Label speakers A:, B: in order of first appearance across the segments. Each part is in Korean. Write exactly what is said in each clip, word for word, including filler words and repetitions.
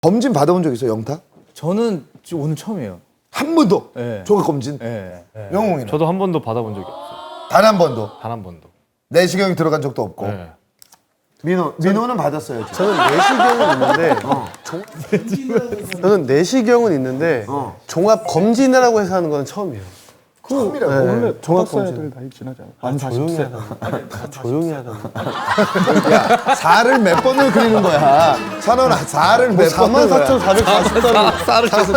A: 검진 받아본 적 있어요, 영탁?
B: 저는 지금 오늘 처음이에요.
A: 한 번도?
B: 네.
A: 종합 검진?
B: 네. 네.
A: 영웅이는?
C: 저도 한 번도 받아본 적이 없어요.
A: 단 한 번도?
C: 단 한 번도.
A: 내시경이 들어간 적도 없고.
C: 네.
A: 민호, 민호는 받았어요. 지금.
D: 저는 내시경은 있는데 종- 저는 내시경은 있는데 종합 검진이라고 해서 하는 건 처음이에요.
A: 처음이라고.
D: 네, 종합 검진.
E: 애들 나이 지나지 않아.
D: 아, 조용히 하다. 조용히 하다.
A: 야, 사를 몇 번을 그리는 거야. 찬원아, 사를 몇 번을
D: 사만 사천사백사십 단.
B: 쌀을 계속.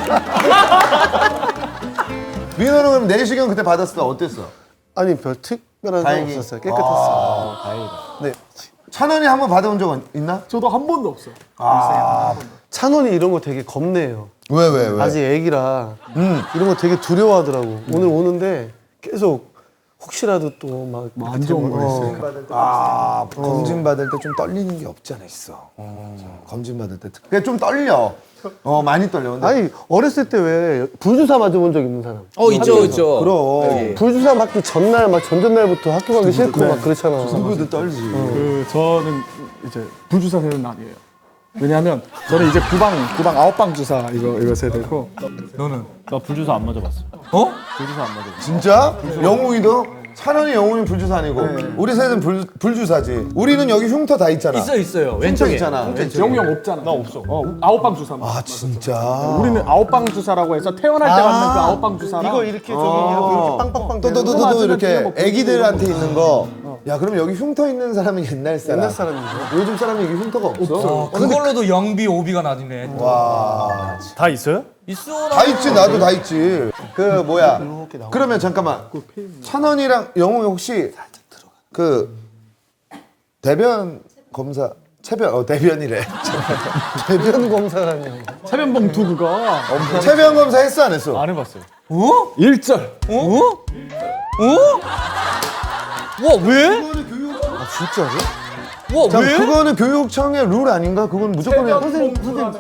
A: 민호는 그럼 내시경 그때 받았을 때 어땠어?
D: 아니 별 특별한 건
A: 다행히.
D: 없었어요. 깨끗했어요.
C: 다행이다.
D: 네.
A: 찬원이 한번 받아본 적 있나?
E: 저도 한 번도 없어요.
D: 찬원이 이런 거 되게 겁내요.
A: 왜, 왜, 왜?
D: 아직 애기라 이런 거 되게 두려워하더라고. 오늘 오는데 계속 혹시라도 또막
E: 안 좋은 거 있으니까.
A: 아, 검진 받을 때 좀 떨리는 게 없지 않아 있어. 검진 받을 때. 그게 좀 떨려. 어, 많이 떨려. 근데
D: 아니 어렸을 때 왜 불주사 맞아본 적 있는 사람?
B: 어 있죠 있죠.
A: 그럼.
D: 불주사 맞기 전날 막 전전날부터 학교 가기 싫고 막 그렇잖아.
A: 누구도 떨지.
E: 그 저는 이제 불주사 세대는 아니에요. 왜냐하면 저는 이제 구방 구방 아홉 방 주사 이거 이거 세대고. 너는?
C: 나 불주사 안 맞아봤어.
B: 어?
C: 불주사 안 맞아봤어.
A: 진짜? 영웅이도? 찬원이 영웅이 불주사 아니고 우리 셋은 불, 불주사지. 우리는 여기 흉터 다 있잖아.
B: 있어 있어요.
A: 흉터
B: 왼쪽에
A: 있잖아.
E: 영웅 형 없잖아. 나 없어. 어, 아홉 방 주사.
A: 아, 진짜.
E: 우리는 아홉 방 주사라고 해서 태어날 때 맞는 그 아홉 방 주사랑
D: 이거 이렇게 저기 이렇게, 이렇게 빵빵빵 되는 거.
A: 또또또또
E: 맞으면
A: 이렇게
E: 그냥 뭐
A: 애기들한테 있는 거. 야, 그럼 여기 흉터 있는 사람은 옛날 사람.
D: 옛날 사람이죠.
A: 요즘 사람이 여기 흉터가 없어.
B: 어, 그걸로도 영비 오비가 나뉘네.
A: 와.
C: 다 있어요?
B: 있어.
A: 다 있지, 나도 다 있지. 그 뭐야. 그러면 잠깐만. 찬원이랑 영웅이 혹시 그 대변 검사 체변 어 대변이래.
D: 대변 검사라니.
E: 세변 봉투 그거.
A: 체변 검사 했어 안 했어?
C: 안 해봤어요.
E: 일절.
B: 어? 어? 와 왜?
D: 아 진짜로?
B: 와
A: 자,
B: 왜?
A: 그거는 교육청의 룰 아닌가? 그건 무조건 해야 선생님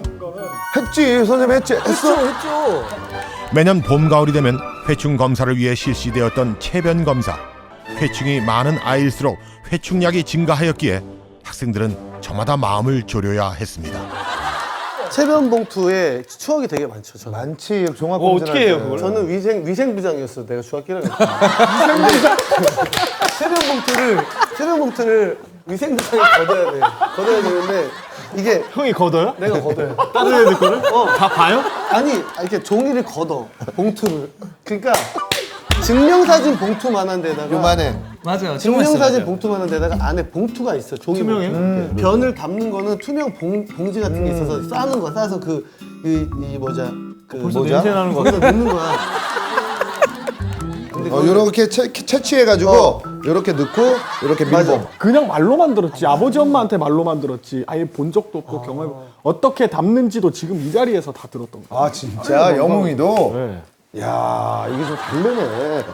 A: 했지. 선생님 했지. 했어.
B: 했죠 했죠.
F: 매년 봄 가을이 되면 회충 검사를 위해 실시되었던 체변 검사. 회충이 많은 아이일수록 회충량이 증가하였기에 학생들은 저마다 마음을 졸여야 했습니다.
D: 체변 봉투에 추억이 되게 많죠. 저는.
A: 많지. 종합
C: 어,
A: 검사.
C: 어떻게 해요, 그걸?
D: 저는 위생 위생부장이었어. 내가 중학교 일 학년. 위생부장. 체변 봉투를 체변 봉투를 위생부장이 걷어야 돼. 걷어야 되는데 이게
C: 형이 걷어요?
D: 내가 걷어요.
C: 다른 애들 거를?
D: 어.
C: 다 봐요?
D: 아니 이렇게 종이를 걷어 봉투를. 그러니까 증명사진 봉투만한 데다가
A: 요만해.
B: 맞아요.
D: 증명사진 봉투만한 데다가 안에 봉투가 있어. 종이
C: 투명해요?
D: 봉투. 음. 변을 담는 거는 투명 봉, 봉지 같은 게 있어서 싸는 거야. 싸서 그 이 이 뭐자 그
C: 벌써
A: 뭐죠?
C: 냄새 나는 거
D: 거기다 넣는 거야.
A: 어, 요렇게 채, 채취해가지고 요렇게 넣고 요렇게 밀봉.
E: 그냥 말로만 들었지. 아버지 엄마한테 말로만 들었지. 아예 본 적도 없고 경험. 어떻게 담는지도 지금 이 자리에서 다 들었던 거야.
A: 아, 진짜 영웅이도.
C: 네.
A: 야, 이게 좀 다르네.